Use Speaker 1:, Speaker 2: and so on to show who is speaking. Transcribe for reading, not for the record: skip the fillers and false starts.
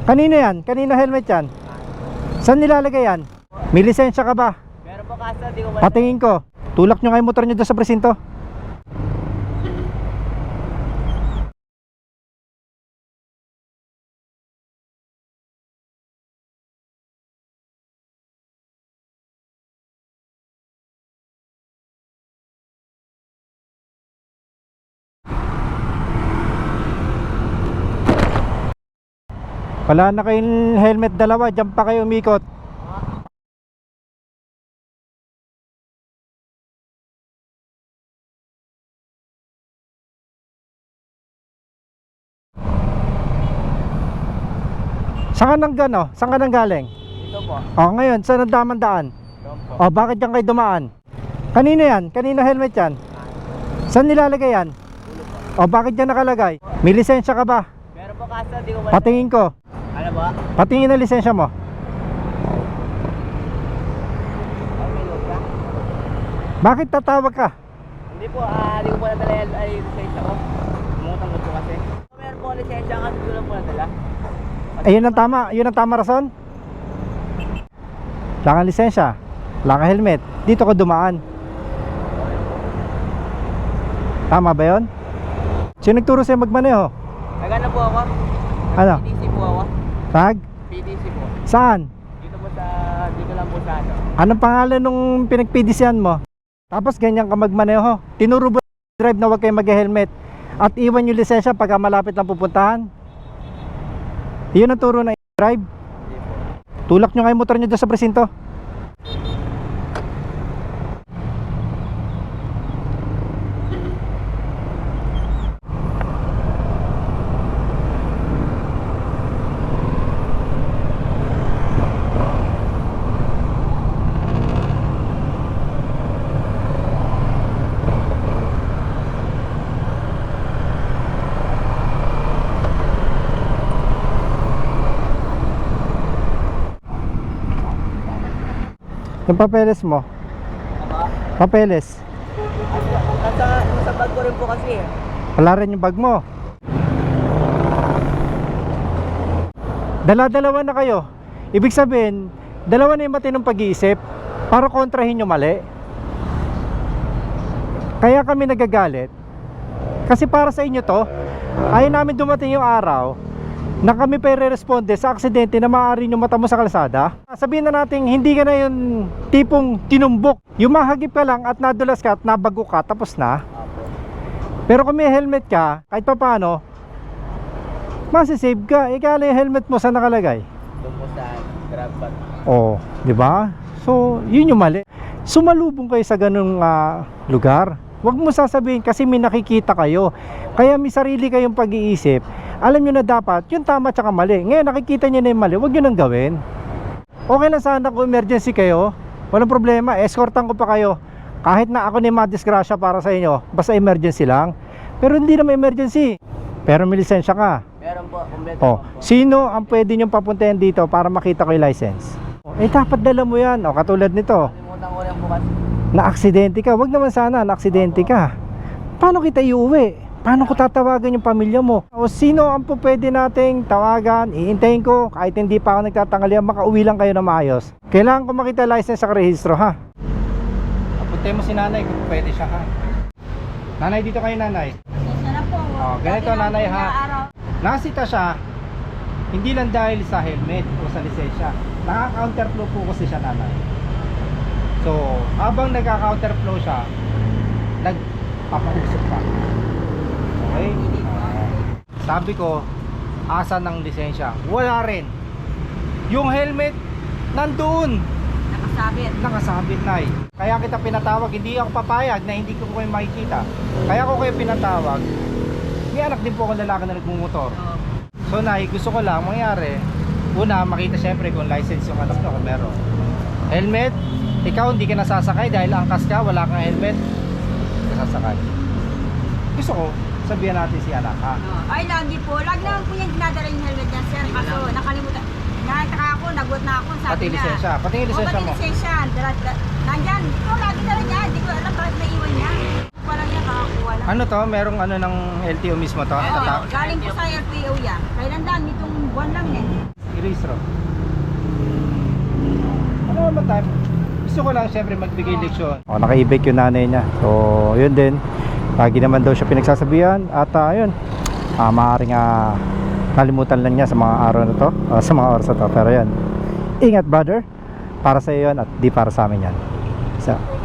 Speaker 1: Kanino yan? Kanino helmet yan? Saan nilalagay yan? May lisensya ka ba?
Speaker 2: Meron po kaso, di ko
Speaker 1: Patingin ko. Tulak nyo nga yung motor nyo doon sa presinto. Wala na kayong helmet dalawa, dyan pa kayo umikot. Saan ka nang gano? Saan ka nang galing?
Speaker 2: Dito po.
Speaker 1: O ngayon, saan ang damang daan?
Speaker 2: Doon po.
Speaker 1: O bakit dyan kayo dumaan? Kanino yan? Kanino helmet yan? Saan nilalagay yan? O bakit dyan nakalagay? May lisensya ka ba?
Speaker 2: Meron po kaso, di ko
Speaker 1: Patingin ko.
Speaker 2: Ano ba?
Speaker 1: Patingin ang lisensya mo.
Speaker 2: Ay, may log ka?
Speaker 1: Bakit tatawag ka?
Speaker 2: Hindi po, di ko po nadala ay lisensya ko. Umutang ko po kasi. Meron po lisensya kasi di ko lang po nadala.
Speaker 1: Ayun ang tama, yun ang tama rason. Wala kang lisensya, wala kang helmet, dito ka dumaan. Tama ba yun? Sino nagturo sa'yo magmaneho?
Speaker 2: Nagana po ako.
Speaker 1: Ano?
Speaker 2: PDC po ako.
Speaker 1: Tag?
Speaker 2: PDC po.
Speaker 1: Saan?
Speaker 2: Dito po sa, dito lang po sa ano.
Speaker 1: Anong pangalan nung pinagpidisyan mo? Tapos ganyan ka magmaneho. Tinuro ba drive na huwag kayo mag-helmet at iwan yung lisensya pagka malapit lang pupuntahan? Yun ang turo ng drive. Tulak nyo nga yung motor nyo doon sa presinto. Yung papeles mo.
Speaker 2: Aba?
Speaker 1: Papeles.
Speaker 2: Nasa bag ko rin po kasi eh.
Speaker 1: Wala rin yung bag mo. Dala-dalawa na kayo. Ibig sabihin, dalawa na yung matinong pag-iisip para kontrahin yung mali. Kaya kami nagagalit. Kasi para sa inyo to, ayaw namin dumating yung araw na kami pa i-responde sa aksidente na maaari nyo mata mo sa kalsada. Sabihin na natin, hindi ka na yung tipong tinumbok. Yung mahagip ka lang at nadulas ka at nabago ka, tapos na. Pero kung may helmet ka, kahit pa paano, masisave ka. Ikala yung helmet mo, saan nakalagay?
Speaker 2: Doon po sa grab bag.
Speaker 1: Oh, di ba? So, yun yung mali. Sumalubong kayo sa ganung lugar. Huwag mo sasabihin kasi may nakikita kayo. Kaya may sarili kayong pag-iisip. Alam nyo na dapat, yung tama tsaka mali. Ngayon nakikita nyo na yung mali, huwag nyo nang gawin. Okay lang sana kung emergency kayo, walang problema, escortan ko pa kayo. Kahit na ako na yung madisgrasya para sa inyo, basta emergency lang. Pero hindi naman emergency. Pero may lisensya ka.
Speaker 2: Meron po, kumpleto
Speaker 1: Oh,
Speaker 2: po.
Speaker 1: sino ang pwede nyong papuntahin dito para makita ko yung license? Eh dapat dala mo yan. O, katulad nito,
Speaker 2: Kalimutan ko rin po kasi.
Speaker 1: na-aksidente ka. Wag naman sana, na-aksidente ka. Paano kita iuwi? Paano ko tatawagan yung pamilya mo? O sino ang po pwede nating tawagan? Iintayin ko, kahit hindi pa ako nagtatangalian, makauwi lang kayo na maayos. Kailangan ko makita license sa rehistro, ha? Apuntay mo si nanay kung pwede siya, ha? Nanay, dito kayo, nanay.
Speaker 3: Sana po.
Speaker 1: Oh, ganito, nanay, ha? Nasita siya, hindi lang dahil sa helmet o sa lisensya. Naka-counterflow po kasi siya, nanay. So, habang nagka-counterflow siya, nagpapausok pa. Okay? Sabi ko, asa ng lisensya? Wala rin. Yung helmet, nandoon. Nakasabit na eh. Kaya kita pinatawag, hindi ako papayag na hindi ko kayo makikita. Kaya ko kayo pinatawag. May anak din po ako lalaki na nagmumotor. So nay, gusto ko lang mangyari, una, makita syempre kung license yung anak nyo, kung meron. Helmet, ikaw hindi ka nasasakay dahil angkas ka, wala kang helmet, nasasakay. Gusto ko, sabihan natin si anak, ha?
Speaker 3: Ay, lagi po. Lagi naman po yung dinadala yung helmet niya, sir. Kaso, nakalimutan. Nakataka ako, nagot na ako. Sabi
Speaker 1: Pati
Speaker 3: niya.
Speaker 1: lisensya, pati yung lisensya mo.
Speaker 3: Pati lisensya. Nandyan. Ito, lagi dala niya. Hindi ko alam bakit naiwan niya. Parang niya kakakuha lang.
Speaker 1: Ano to? Merong ano ng LTO mismo to?
Speaker 3: Oo,
Speaker 1: Tatak?
Speaker 3: galing po sa LPO yan. Kailan dan? Itong buwan lang eh.
Speaker 1: rehistro. Ano naman tayo? Gusto ko lang siyempre magbigay leksyon. Naka-e-bike yung nanay niya. So, yun din. Lagi naman daw siya pinagsasabihan. At yun, maaaring nalimutan lang niya sa mga araw na to, sa mga oras na to. Pero yun, ingat brother. Para sa iyo yun at di para sa amin yan. So,